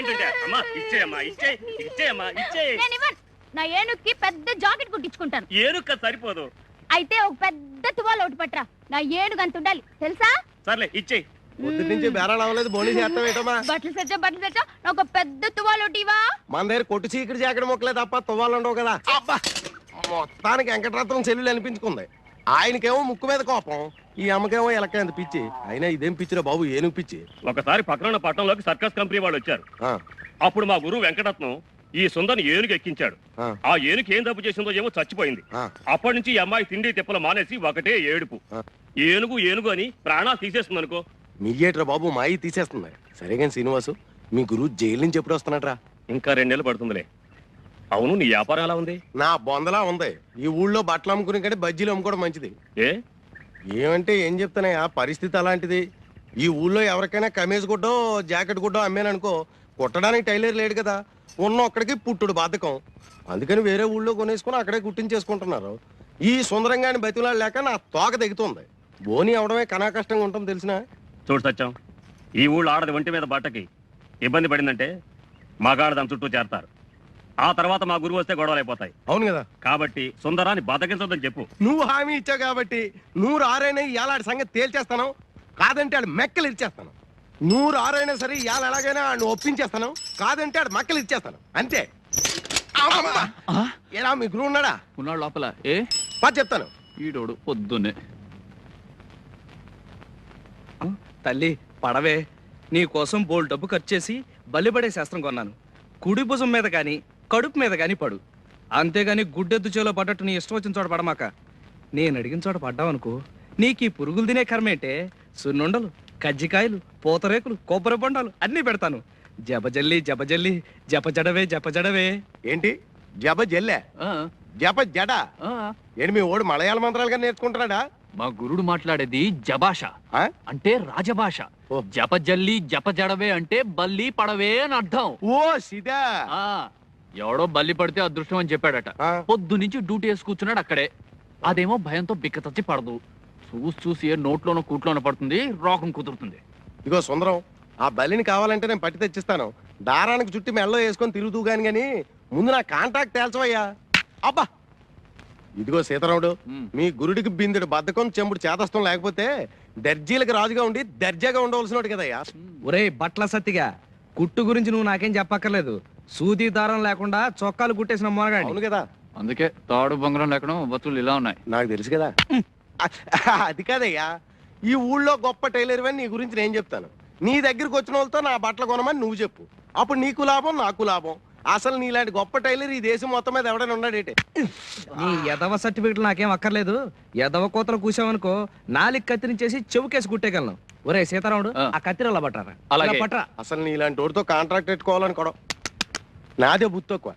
ఇచ్చేయంటుంటే అమ్మా ఇచ్చేయమ్మా ఇచ్చేయమ్మా ఇచ్చేయి. నా ఏనుగుకి పెద్ద జాకెట్ కుట్టించుకుంటాను. ఏనుగు సరిపోదు. అయితే ఒక పెద్ద తువాలు ఒకటి పట్టరా. నా ఏనుగు అంత ఉండాలి తెలుసా? సర్లే ఇచ్చేయి. పొద్దు నుంచి బేరాలు అవ్వలేదు, బోనీ చేస్తాం ఏంటమ్మా? బట్టలు తెచ్చా ఒక పెద్ద తువాలు ఒకటివా. మన దగ్గర కొట్టు చీకటి జాకెట్ మొక్కలే తప్ప తువ్వాలు ఉండవు కదా. మొత్తానికి వెంకటరత్నం చెల్లెలు అనిపించుకుంది. ఆయనకేమో ముక్కు మీద కోపం, ఈ అమ్మకేమో ఎలక్కంత పిచ్చి. అయినా ఇదేం పిచ్చిరా బాబు, ఏనుగు పిచ్చి. ఒకసారి పక్కన పట్టణంలోకి సర్కస్ కంపెనీ వాళ్ళు వచ్చారు. అప్పుడు మా గురువు వెంకటరత్నం ఈ సుందరిని ఏనుగు ఎక్కించాడు. ఆ ఏనుగు ఏం తప్పు చేసిందో ఏమో చచ్చిపోయింది. అప్పటి నుంచి ఈ అమ్మాయి తిండి తిప్పలు మానేసి ఒకటే ఏడుపు. ఏనుగు ఏనుగు అని ప్రాణాలు తీసేస్తుంది అనుకో. మీయేట్రా బాబు, మాయి తీసేస్తుంది. సరే కానీ శ్రీనివాసు, మీ గురువు జైలు నుంచి ఎప్పుడు వస్తున్నాడ్రా? ఇంకా 2 నెలలు పడుతుందిలే. అవును, నీ వ్యాపారం ఎలా ఉంది? నా బొందలా ఉంది. ఈ ఊళ్ళో బట్టలు అమ్ముకునే కంటే బజ్జీలు అమ్ముకోవడం మంచిది. ఏమంటే ఏం చెప్తానయ్యా, పరిస్థితి అలాంటిది. ఈ ఊళ్ళో ఎవరికైనా కమీజ్ గుడ్డో జాకెట్ గుడ్డో అమ్మాననుకో, కుట్టడానికి టైలర్ లేడు కదా. ఉన్న ఒక్కడికి పుట్టుడు బాధకం. అందుకని వేరే ఊళ్ళో కొనేసుకుని అక్కడే కుట్టించేసుకుంటున్నారు. ఈ సుందరంగాని బతిలాడు లేక నా తోక దిగుతుంది. బోని అవడమే కనా కష్టంగా ఉంటుంది తెలిసిన. చూడు సత్యం, ఈ ఊళ్ళో ఆడది ఒంటి మీద బట్టకి ఇబ్బంది పడిందంటే మగాడు దాని చుట్టూ చేరతారు. ఆ తర్వాత మా గురువు వస్తే గొడవలు అయిపోతాయి. అవును కదా. కాబట్టి సుందరాన్ని బతకించొద్దని చెప్పు. నువ్వు హామీ ఇచ్చావు కాబట్టి 100 ఆరైనా ఇవాళ సంగతి తేల్చేస్తాను. కాదంటే ఆడు మెక్కలు ఇచ్చేస్తాను. 100 ఆరైనా సరే ఇవాళ ఎలాగైనా ఆడు ఒప్పించేస్తాను. కాదంటే ఆడు మెక్కలు ఇచ్చేస్తాను అంతే. ఎలా మీ గురువు ఉన్నాడా? ఉన్నాడు లోపల. చెప్తాను. ఈడోడు పొద్దున్నే. తల్లి పడవే, నీ కోసం బోల్ డబ్బు ఖర్చు చేసి బలిపడే శాస్త్రం కొన్నాను. కుడి భుజం మీద కానీ కడుపు మీద కానీ పడు. అంతేగాని గుడ్డెద్దు చేలో పడ్డట్టు నీ ఇష్టం వచ్చిన చోట పడమాక. నేను అడిగిన చోట పడ్డావనుకో, నీకు ఈ పురుగులు తినే కర్మేంటే సున్నుండలు, కజ్జికాయలు, పూతరేకులు, కొబ్బరి బొండాలు అన్నీ పెడతాను. జపజల్లి జపజల్లి జపజడవే జపజడవే. ఏంటి జప జల్లే జప జడ? ఏంటి మీ ఓడు మలయాళ మంత్రాలుగా నేర్చుకుంటున్నాడా? మా గురుడు మాట్లాడేది జభాష, అంటే రాజభాష. జపజల్లి జపజడవే అంటే బల్లి పడవే అని అర్థం. ఓ సిదా. ఎవడో బల్లి పడితే అదృష్టం అని చెప్పాడట. పొద్దు నుంచి డ్యూటీ వేసి కూర్చున్నాడు అక్కడే. అదేమో భయంతో బిక్కతచ్చి పడదు. చూసి ఏ నోట్లోనో కూట్లోనో పడుతుంది, రోగం కుదురుతుంది. ఇగో సుందరం, ఆ బలిని కావాలంటే నేను పట్టి తెచ్చిస్తాను. దారానికి చుట్టి మెళ్ళో వేసుకొని తిరుగుతూ గాని ముందు నా కాంటాక్ట్ తేల్చవయ్యా. అబ్బా ఇదిగో సీతారాముడు, మీ గురుడికి బిందుడు బద్ధకం చెంబుడు చేతస్థం లేకపోతే దర్జీలకు రాజుగా ఉండి దర్జాగా ఉండవలసినోడు కదయ్యా. ఒరే బట్ల సత్తిగా, కుట్టు గురించి నువ్వు నాకేం చెప్పక్కర్లేదు. సూది దారం లేకుండా చొక్కాలు కుట్టేసిన మొనగాడు. అవును కదా. అందుకే తాడు బొంగరం లేకుండా బతులు ఇలా ఉన్నాయి. నాకు తెలుసు కదా. అది కాదయ్యా, ఈ ఊళ్ళో గొప్ప టైలర్ అని నీ గురించి నేను చెప్తాను. నీ దగ్గరికి వచ్చిన వాళ్ళతో నా బట్టలు కొనమని నువ్వు చెప్పు. అప్పుడు నీకు లాభం, నాకు లాభం. అసలు నీలాంటి గొప్ప టైలర్ ఈ దేశం మొత్తం మీద ఎవడైనా ఉన్నాడేంటి? నీ ఎదవ సర్టిఫికెట్లు నాకేం అక్కర్లేదు. ఎదవ కోతలు కూసావనుకో, నాలుగు కత్తిరించేసి చెవుకేసి కుట్టేయగలను. ఒరే సీతారాముడు, ఆ కత్తిరలా పట్టారా? అలాగే పట్టరా. అసలు నీలాంటి వాడితో కాంట్రాక్ట్ పెట్టుకోవాలనుకోవడం నాదే బుద్ధి తక్కువ.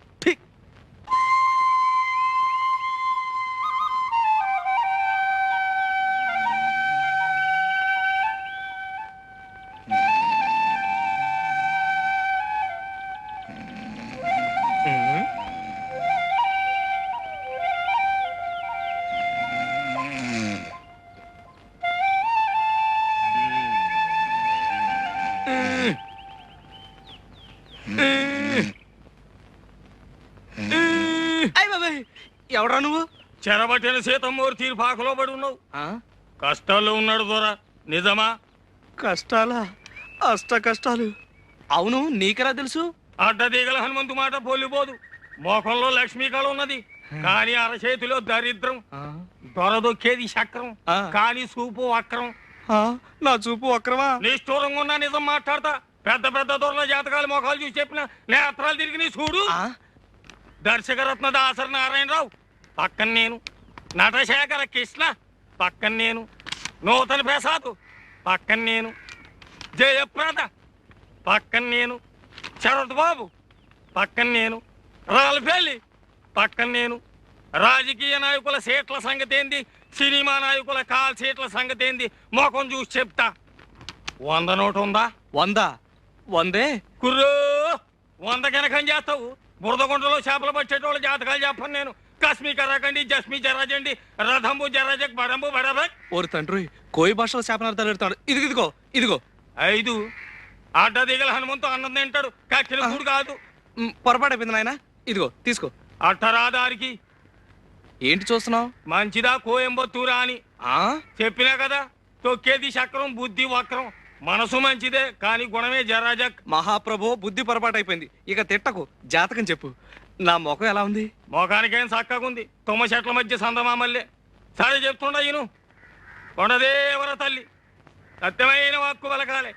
ఎవడా నువ్వు? చెరబట్టిన సీతమ్మూరు తీరు పాకలో పడి ఉన్నావు. కష్టాల్లో ఉన్నాడు దొర. నిజమా? కష్టాలా? అష్ట కష్టాలు. అవును, నీకెలా తెలుసు? అడ్డదీగల హనుమంతు మాట పోలిపోదు. మోకంలో లక్ష్మీకళ ఉన్నది, కానీ అరచేతిలో దరిద్రం. దొరదొక్కేది చక్రం, కానీ చూపు వక్రం. నా చూపు వక్రమా? నిష్ఠూరంగా ఉన్నా నిజం మాట్లాడతా. పెద్ద పెద్ద దొరల జాతకాలు మొఖాలు చూసి చెప్పిన నేత్రాలు తిరిగి నీ చూడు. దర్శకరత్న దాసరి నారాయణరావు పక్కన నేను, నటశేఖర కృష్ణ పక్కన నేను, నూతన ప్రసాద్ పక్కన నేను, జయప్రద పక్కన నేను, శరత్ బాబు పక్కన నేను, రాల్ఫేలి పక్కన నేను. రాజకీయ నాయకుల సీట్ల సంగతి ఏంది, సినిమా నాయకుల కాల్ సీట్ల సంగతి ఏంది మొఖం చూసి చెప్తా. 100 నోటు ఉందా? 100? 100 కుర్రో 100 కనకం చేస్తావు. బురదగుంటలో చేపలు పట్టేటోళ్ళ జాతకాలు చెప్పను నేను. కస్మి కర్రకండి, జస్మి జర్రజండి, రథంబు జర్రజక్, బడంబు బడబక్. ఓరి తండ్రి, కోయి భాషలో చేపనార్థాలు పెడతాడు. ఇదిగో ఇదిగో. 5 అడ్డ దిగల హనుమంతు అన్నం తింటాడు కక్కిన కూడు కాదు. పొరపాటు అయిపోయింది నాయన, ఇదిగో తీసుకో. అట్టరాదారికి ఏంటి చూస్తున్నావు? మంచిదా కోయంబత్తూరా అని చెప్పినా కదా. తొక్కేది చక్రం, బుద్ధి వక్రం. మనసు మంచిదే కానీ గుణమే జరాజక్. మహాప్రభు, బుద్ధి పొరపాటు అయిపోయింది, ఇక తిట్టకు, జాతకం చెప్పు. నా ముఖం ఎలా ఉంది? మోకానికేం చక్కగుంది, తుమ్మ చెట్ల మధ్య సందమామల్లే. సరే చెప్తుండ ఈను. కొండదేవర తల్లి సత్యమైన వాక్కు పలకాలే.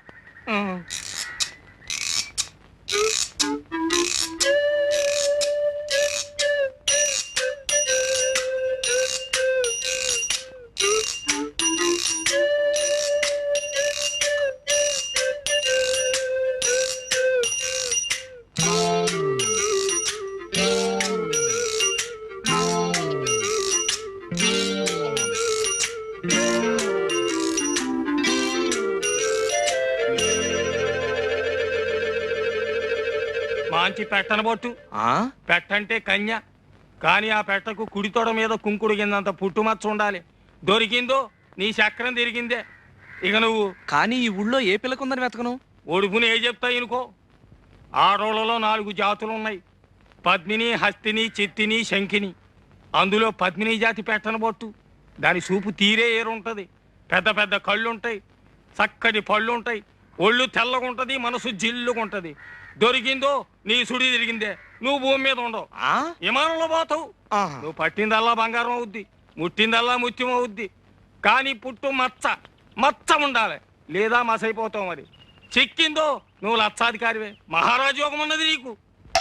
మంచి పెట్టనబొట్టు. పెట్టంటే కన్య, కానీ ఆ పెట్టకు కుడి తొడ మీద కుంకుడు కిందంత పుట్టుమచ్చ ఉండాలి. దొరికిందో నీ చక్రం తిరిగిందే. ఇక నువ్వు కానీ ఈ ఊళ్ళో ఏ పిల్లకుందని వెతకను? ఒడుపుని ఏ చెప్తాయి ఇనుకో. ఆడోళ్లలో 4 జాతులు ఉన్నాయి, పద్మిని, హస్తిని, చిత్తిని, శంఖిని. అందులో పద్మిని జాతి పెట్టనబొట్టు. దాని చూపు తీరే ఏరుంటది. పెద్ద పెద్ద కళ్ళుంటాయి, చక్కటి పళ్ళుంటాయి, ఒళ్ళు తెల్లగుంటది, మనసు జిల్లుగుంటది. దొరికిందో నీ సుడి తిరిగిందే. నువ్వు భూమి మీద ఉండవు, విమానంలో పోతావు. నువ్వు పట్టిందల్లా బంగారం అవుద్ది, ముట్టిందల్లా ముత్యం అవుద్ది. కానీ పుట్టు మచ్చ ఉండాలి, లేదా మసైపోతావు. మరి చిక్కిందో నువ్వు లక్షాధికారివే. మహారాజు యోగం ఉన్నది నీకు.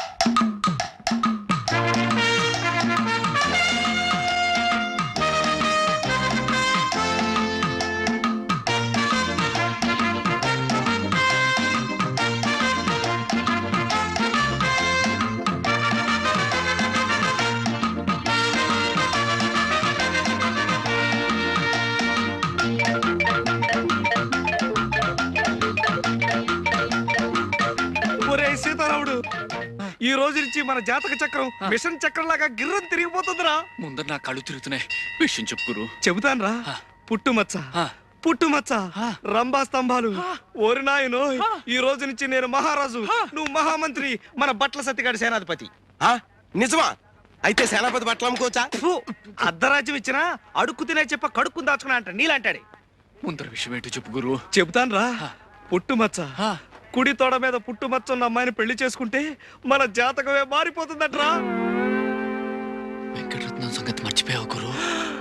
సీతారాముడు, ఈ రోజు నుంచి మన జాతక చక్రం మిషన్ చక్రం లాగా గిర్రం తిరిగిపోతుందిరా. ముందర నా కళ్ళు తిరుగుతున్నాయి, విషయం చెప్పు గురు. చెబుతాను రా. పుట్టుమచ్చ, రంభా స్తంభాలు. ఓరి నాయనో, ఈ రోజు నుంచి నేను మహారాజు, నువ్వు మహామంత్రి, మన బట్ల సత్తిగాడి సేనాధిపతి. నిజమా? అయితే సేనాపతి బట్టలు అమ్ముకోవచ్చా? అర్ధరాజ్యం ఇచ్చినా అడుక్కు తినే చెప్ప కడుక్కుని దాచుకున్నా అంట నీలాంటాడే. ముందర విషయం ఏంటో చెప్పు గురు. చెబుతాను రా. పుట్టుమచ్చ, కుడి తోడ మీద పుట్టుమచ్చ ఉన్న అమ్మాయిని పెళ్లి చేసుకుంటే మన జాతకమే మారిపోతుందట్రా. వెంకటరత్నం సంగతి మర్చిపోయావు గురు.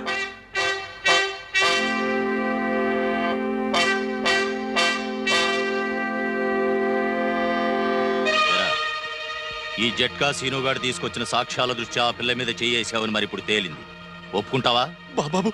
ఈ జట్కా సీనుగాడు తీసుకొచ్చిన సాక్ష్యాల దృష్ట్యా ఆ పిల్ల మీద చేయేసావని మరి ఇప్పుడు తేలింది. ఒప్పుకుంటావా? బాబు,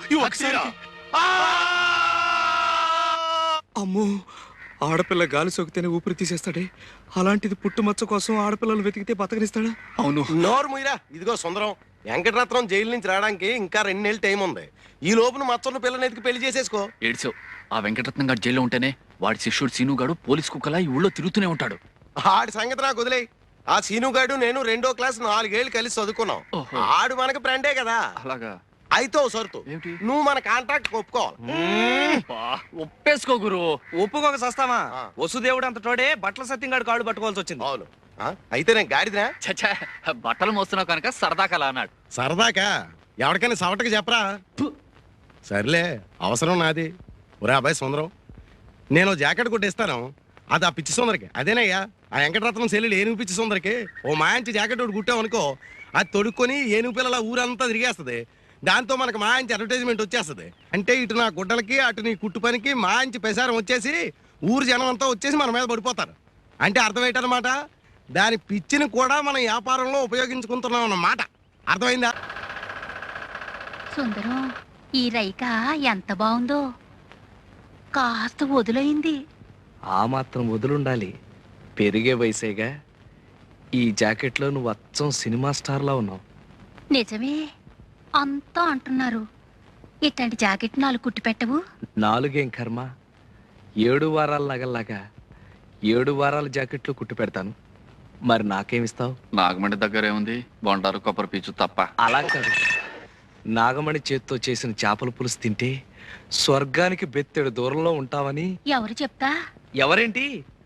అమ్మో, ఆడపిల్ల గాలి సోకితేనే ఊపిరి తీసేస్తాడే, అలాంటిది పుట్టుమచ్చ కోసం ఆడపిల్లలు వెతికితే బతకనిస్తాడా? అవును. నోరు ముయ్యరా. ఇదిగో సుందరం, వెంకటరత్నం జైలు నుంచి రావడానికి ఇంకా 2 నెలలు టైం ఉంది. ఈ లోపున మచ్చన్న పిల్లని ఎతికి పెళ్లి చేసేసుకో. ఏడ్చావు. ఆ వెంకటరత్నం గారు జైల్లో ఉంటేనే వాడి శిష్యుడు సీనుగాడు పోలీస్ కుక్కలా ఈ ఊళ్ళో తిరుగుతూనే ఉంటాడు. ఆడి సంగతి నాకు వదిలే. ఆ సీనుగాడు నేను 2వ క్లాస్ 4 ఏళ్ళు కలిసి చదువుకున్నాం. ఆడు మనకి ఫ్రెండే కదా. అలాగా? అయితే ఓ సరుతు, నువ్వు మన కాంట్రాక్ట్ ఒప్పుకోవాలి. ఒప్పేసుకో గురు. ఒప్పుకోక సస్తావా? వసుదేవుడు అంత తోడే బట్టల సత్యంగాడు కాళ్ళు పట్టుకోవాల్సి వచ్చింది. అవును. అయితే నేను గాడిదినా? చచ్చా, బట్టలు మోస్తున్నావు కనుక సరదాకలా అన్నాడు. సరదాకా? ఎవరికైనా సవటకి చెప్పరా? సర్లే, అవసరం నాది. ఒరే అబ్బాయి సుందరం, నేను జాకెట్ కొట్టిస్తాను, అది ఆ పిచ్చి సుందరికి. అదేనయ్యా ఆ వెంకటరత్నం సెల్లుడు ఏనుగు పిచ్చి సుందరికి ఓ మాయించి జాకెట్ ఒకటి కుట్టామనుకో, అది తొడుక్కొని ఏనుగు పిల్లల ఊరంతా తిరిగేస్తుంది. దాంతో మనకు మాయించి అడ్వర్టైజ్మెంట్ వచ్చేస్తుంది. అంటే ఇటు నా గుడ్డలకి అటు నీ కుట్టు పనికి మాయించి ప్రసారం వచ్చేసి ఊరు జనం అంతా వచ్చేసి మన మీద పడిపోతారు. అంటే అర్థమేంటన్నమాట, దాని పిచ్చిని కూడా మనం వ్యాపారంలో ఉపయోగించుకుంటున్నాం అన్నమాట. అర్థమైందా? సుందరం, ఈ రైక ఎంత బాగుందో. కాస్త వదులైంది. ఆ మాత్రం వదులుండాలి, పెరిగే వయసేగా. ఈ జాకెట్లో నువ్వు అచ్చం సినిమా స్టార్లా ఉన్నావు. నిజమే, అంతా అంటున్నారు. ఇట్లాంటి జాకెట్ 4 కుట్టి పెట్టవు? 4 ఏం కర్మ, 7 వారాల నగల్లాగా 7 వారాల జాకెట్లు కుట్టి పెడతాను. మరి నాకేమిస్తావు? నాగమణి దగ్గర ఏముంది, బొండారు కొబ్బరి పీచు తప్ప. అలా కాదు, నాగమణి చేత్తో చేసిన చేపల పులుసు తింటే స్వర్గానికి బెత్తెడు దూరంలో ఉంటావని. ఎవరు చెప్తా? ఎవరేంటి,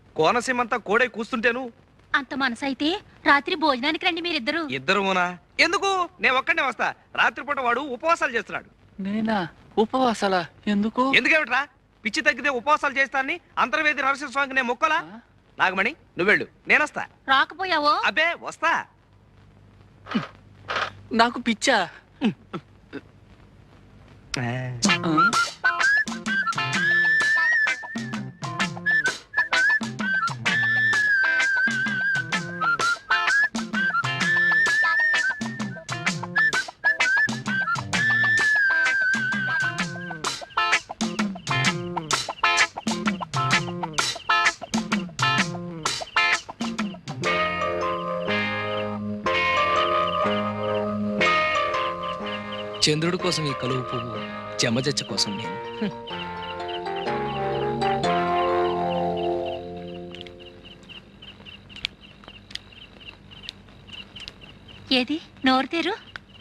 కోనసీమంతా కోడై కూస్తుంటేను. అంత మనసైతే రాత్రి భోజనానికి రండి మీరిద్దరు. ఇద్దరునా? ఎందుకు? నేను ఒక్కడే వస్తా. రాత్రిపూట వాడు ఉపవాసాలు చేస్తున్నాడు. నేనా? ఉపవాసాలా? ఎందుకు? ఎందుకేమిట్రా? పిచ్చి తగ్గితే ఉపవాసాలు చేస్తానని అంతర్వేది నరసింహ స్వామికి నేను మొక్కలా? నాగమణి నువ్వెళ్ళు, నేనొస్తా. రాకపోయావో? అబ్బే వస్తా. నాకు పిచ్చా? చంద్రుడి కోసం ఈ కలువు పువ్వు, చెమజచ్చ కోసం నేను. ఏది నోరు తెరు.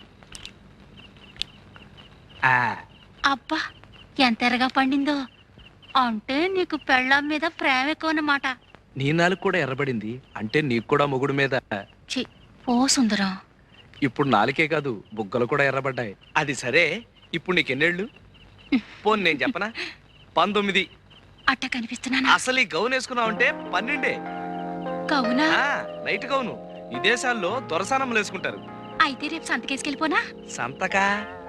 ఆ, అబ్బా ఎంత ఎర్రగా పండిందో. అంటే నీకు పెళ్ళాం మీద ప్రేమ ఎక్కువ అన్నమాట. నీ నాలుగు కూడా ఎర్రబడింది అంటే నీకు కూడా మొగుడు మీద. ఛీ, ఓ సుందరం. ఇప్పుడు నాలుకే కాదు, బుగ్గలు కూడా ఎర్రబడ్డాయి. అది సరే, ఇప్పుడు నీకెన్నేళ్ళు? పోన్ నేను చెప్పనా? 19. అట్ట కనిపిస్తున్నానా? అసలు ఈ గౌన్ వేసుకున్నావు అంటే 12. కవునా? Night gown. ఈ దేశాల్లో దొరసానములు వేసుకుంటారు. అయితే రేపు సంతకేసుకెళ్ళిపోనా? సంతకా?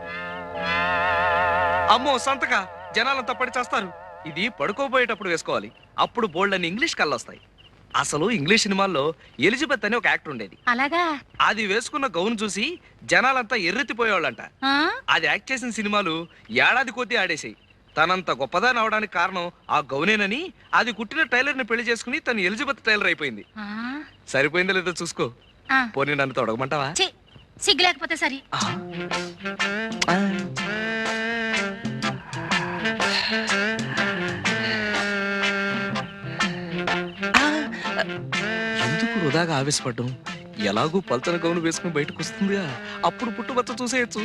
అమ్మో సంతక, జనాలంతా పడి చేస్తారు. ఇది పడుకోబోయేటప్పుడు వేసుకోవాలి. అప్పుడు బోల్డ్ అని ఇంగ్లీష్ కళ్ళొస్తాయి. అసలు ఇంగ్లీష్ సినిమాల్లో ఎలిజబెత్ అని ఒక యాక్టర్ ఉండేది. అలాగా? అది వేసుకున్న గౌన్ చూసి జనాలంతా ఎర్రెత్తిపోయేవాళ్ళంట. ఆ? అది యాక్ట్ చేసిన సినిమాలు ఏడాది కొద్దీ ఆడేసాయి. తనంత గొప్పదాని అవడానికి కారణం ఆ గౌనేనని అది కుట్టిన టైలర్ ని పెళ్లి చేసుకుని తను ఎలిజబెత్ టైలర్ అయిపోయింది. ఆ? సరిపోయిందో లేదో చూసుకో. ఆ. పోనీ నన్ను తొడగమంటావా? ఛీ, సిగ్గు లేకపోతే సరి. ఎందుకు వృధాగా ఆవేశపడ్డం? ఎలాగూ పల్చన గౌను వేసుకుని బయటకు వస్తుందిగా, అప్పుడు పుట్టుబచ్చ చూసేయచ్చు.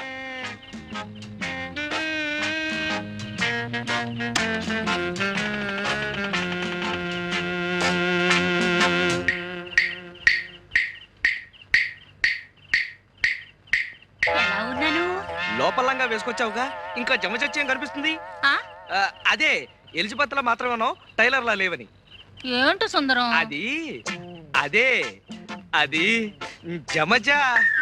ఎలా ఉన్నాను? లోపలంగా వేసుకొచ్చావుగా, ఇంకా జమచచ్చేం కనిపిస్తుంది? ఆ? అదే ఎలిజబెత్ లా మాత్రమేనో టైలర్ లా లేవని. ఏంటో సుందరం? అది అదే అది జమజా.